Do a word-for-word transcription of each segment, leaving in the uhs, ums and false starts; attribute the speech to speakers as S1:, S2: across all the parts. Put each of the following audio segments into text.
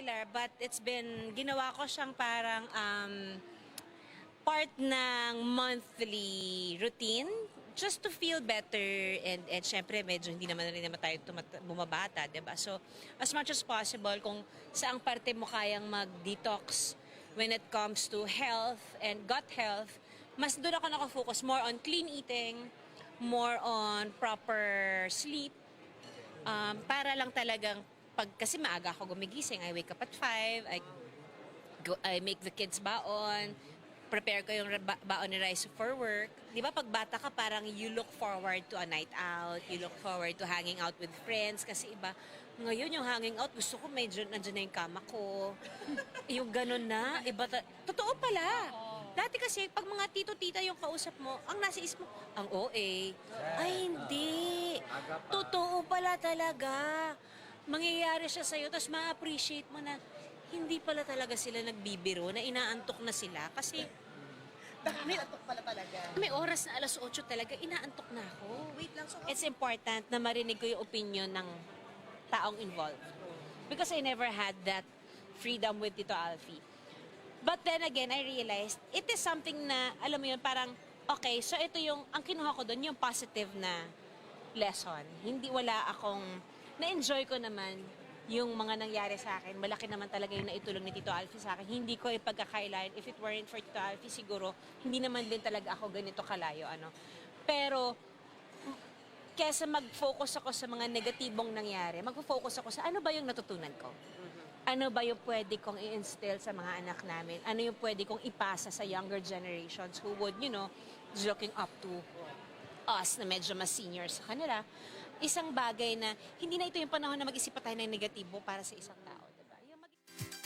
S1: regular, but it's been, ginawa ko siyang parang um, part ng monthly routine just to feel better and and syempre medyo hindi naman rin naman tayo tumat- bumabata, 'di ba? So as much as possible kung saang parte mo kayang mag-detox when it comes to health and gut health, mas doon ako nakafocus more on clean eating, more on proper sleep, um, para lang talagang pag kasi maaga ako gumigising, I wake up at five, I go, I make the kids baon, prepare ko yung ba- baon ni Rice for work. Di ba pag bata ka parang you look forward to a night out, you look forward to hanging out with friends kasi iba, ngayon yung hanging out, gusto ko medyo nandiyan na yung kama ko. Yung ganun na, iba ta- totoo pala. Dati kasi, pag mga tito-tita yung kausap mo, ang nasa isip mo, ang O A. Ay, hindi. Totoo pala talaga. Mangyayari siya sa'yo, tapos ma-appreciate mo na hindi pala talaga sila nagbibiro, na inaantok na sila. Kasi
S2: May atok pala talaga.
S1: may oras na alas otso talaga, inaantok na ako.
S2: Wait lang, so
S1: It's important na marinig ko yung opinion ng taong involved. Because I never had that freedom with Tito Alfie. But then again, I realized, it is something na, alam mo yun, parang, okay, so ito yung, ang kinuha ko doon, yung positive na lesson. Hindi wala akong, na-enjoy ko naman yung mga nangyari sa akin. Malaki naman talaga yung naitulong ni Tito Alfie sa akin. Hindi ko ipagkakailan. If it weren't for Tito Alfie, siguro, hindi naman din talaga ako ganito kalayo. Ano. Pero, kesa mag-focus ako sa mga negatibong nangyari, mag-focus ako sa ano ba yung natutunan ko? Ano ba yung pwede kong i-instill sa mga anak namin? Ano yung pwede kong ipasa sa younger generations who would, you know, looking up to us na medyo mas senior sa kanila? Isang bagay na hindi na ito yung panahon na mag-isip pa tayo ng negatibo para sa isang tao. Diba? Yung mag-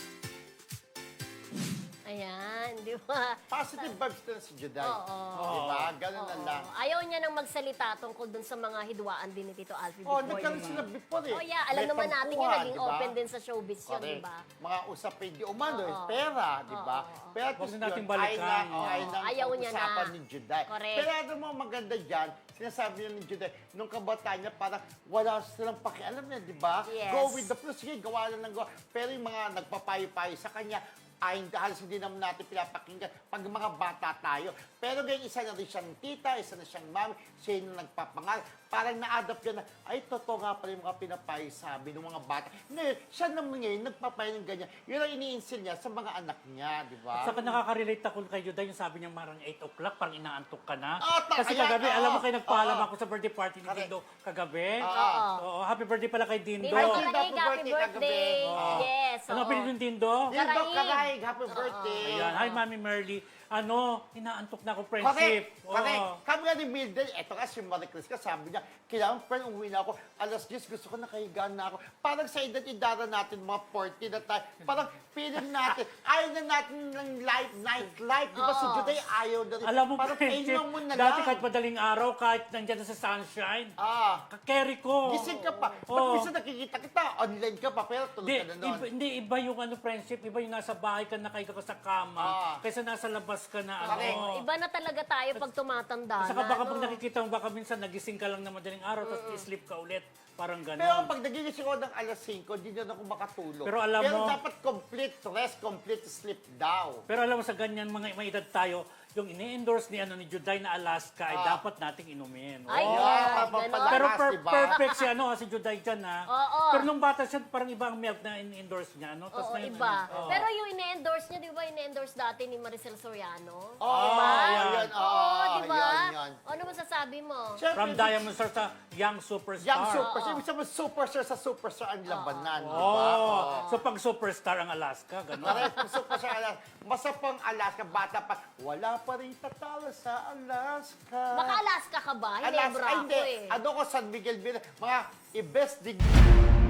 S3: Ayan, di ba?
S4: Positive vibes na si Juday.
S3: Oo.
S4: Di ba? Ganun na lang.
S3: Ayaw niya nang magsalita tungkol dun sa mga hidwaan din ni Tito Alfie
S4: Oh,
S3: before.
S4: nagkaroon
S3: yun.
S4: sila before eh.
S3: Oh yeah, alam
S4: May
S3: naman natin
S4: tampuhan,
S3: yan, naging
S4: di ba?
S3: open din sa showbiz yun,
S4: Correct.
S3: di ba?
S4: Mga usapin di umano,
S3: Oo.
S4: eh, pera, di ba?
S3: Oo.
S4: Pero at
S5: Huwag
S4: least
S5: na natin
S4: yun,
S5: balikan.
S4: Ay na, oh, ay
S3: Oo.
S4: na,
S3: Ayaw niya na.
S4: usapan ni Juday.
S3: Correct.
S4: Pero ano mo maganda dyan, sinasabi niya ni Juday, nung kabataan niya, parang wala silang pakialam niya, di ba?
S3: Yes.
S4: Go with the flow, sige, gawa lang ng gawa. Pero yung mga nagpapayo-payo sa kanya, ay halos hindi naman natin pinapakinggan pag mga bata tayo. Pero ngayon, isa na rin siyang tita, isa na siyang mami, siya yung nagpapangal. Parang na-adapt yan na, ay, totoo nga pala yung mga pinapayo sabi ng mga bata. Ngayon, siya naman ngayon, nagpapayo ng ganyan. Yun ang iniinsil niya sa mga anak niya, di ba?
S5: At saka nakaka-relate ako kay Juday, yung sabi niya marang eight o'clock, parang inaantok ka na.
S4: Oo, ta-
S5: Kasi
S4: ayan,
S5: kagabi,
S4: oo,
S5: alam mo kayo, nagpaalam
S4: oo.
S5: ako sa birthday party ni
S4: Correct.
S5: Dindo kagabi.
S4: Oo.
S5: Oo, happy birthday pala kay Dindo.
S3: Dindo
S4: Ay,
S3: Karaig,
S4: Dindo,
S3: happy
S4: happy birthday
S3: birthday!
S4: kagabi.
S3: Yes,
S5: Ano
S3: oo.
S5: pinili yung Dindo?
S4: Yan daw,
S3: Karaig.
S4: Karaig, happy birthday.
S5: Ayan, hi Mami Merly. Ano, inaantok na ako,
S4: Correct,
S5: friendship.
S4: correct.
S5: Oo.
S4: Kami nga ni Mildred, eto nga si Marie Chris ka, sabi niya, kailangan friend, umuwi na ako. Alas diyes, gusto ko nakahigaan na ako. Parang sa edad-idara natin, mga forty na tayo, parang feeling natin, ayaw na natin ng life, night life. Di ba si
S3: Oo.
S4: Juday ayaw na rin.
S5: Alam mo,
S4: parang
S5: friendship,
S4: kainan mo na
S5: dati
S4: lang.
S5: kahit madaling araw, kahit nandyan na sa sunshine,
S4: Ah,
S5: kakerry ko.
S4: gising ka pa. Ba't
S5: Oo.
S4: minsan nakikita kita, online ka pa, pero tulog
S5: Hindi,
S4: ka na noon.
S5: iba, hindi, iba yung ano, friendship, iba yung nasa bahay ka, nakahiga ka sa kama,
S4: Ah.
S5: kaysa nasa labas ka na,
S4: Correct.
S5: ano.
S3: Iba na talaga tayo pag tumatanda
S5: At saka
S3: na,
S5: baka
S3: no?
S5: pag nakikita mo, baka minsan nagising ka lang na madaling araw, tapos i-sleep ka ulit. Parang gano'n.
S4: Pero pag nagigising ako ng alas singko, hindi na ako makatulog.
S5: Pero alam mo-
S4: dapat complete rest, complete sleep daw.
S5: Pero alam mo sa ganyan, mga may edad tayo, yung ini-endorse ni, ano, ni Juday na Alaska, ay
S4: Ah.
S5: dapat nating inumin.
S3: Ay,
S5: Oo.
S3: yeah,
S4: papapala-
S3: ganon.
S5: Pero per-
S4: diba?
S5: perfect si, ano, si Juday dyan, ha?
S3: Oo.
S5: Pero nung bata siya, parang iba ang milk na in-endorse niya, no?
S3: Oo,
S5: Tapos ngayon,
S3: iba.
S5: ano, oo.
S3: Pero yung ine-endorse niya, di ba ine-endorse dati ni Maricel Soriano?
S4: Oo,
S3: Diba?
S4: yan.
S3: Oo,
S4: Oo,
S3: di ba?
S4: yan, yan.
S3: Ano masasabi mo?
S4: Siyempre,
S5: From Diamond Star sa Young Superstar.
S4: Young superstar. Ibig sabihin, superstar sa superstar ang labanan, di ba?
S5: Oh, so pag superstar ang Alaska, gano'n.
S4: Correct, superstar Alaska. Basta pang Alaska, bata pa, wala pa rin tatalo sa Alaska.
S3: Baka Alaska ka ba? Hindi,
S4: Alaska,
S3: bro
S4: ay,
S3: ako
S4: hindi.
S3: eh.
S4: Ano ko, San Miguel, Villa, mga i-best degree.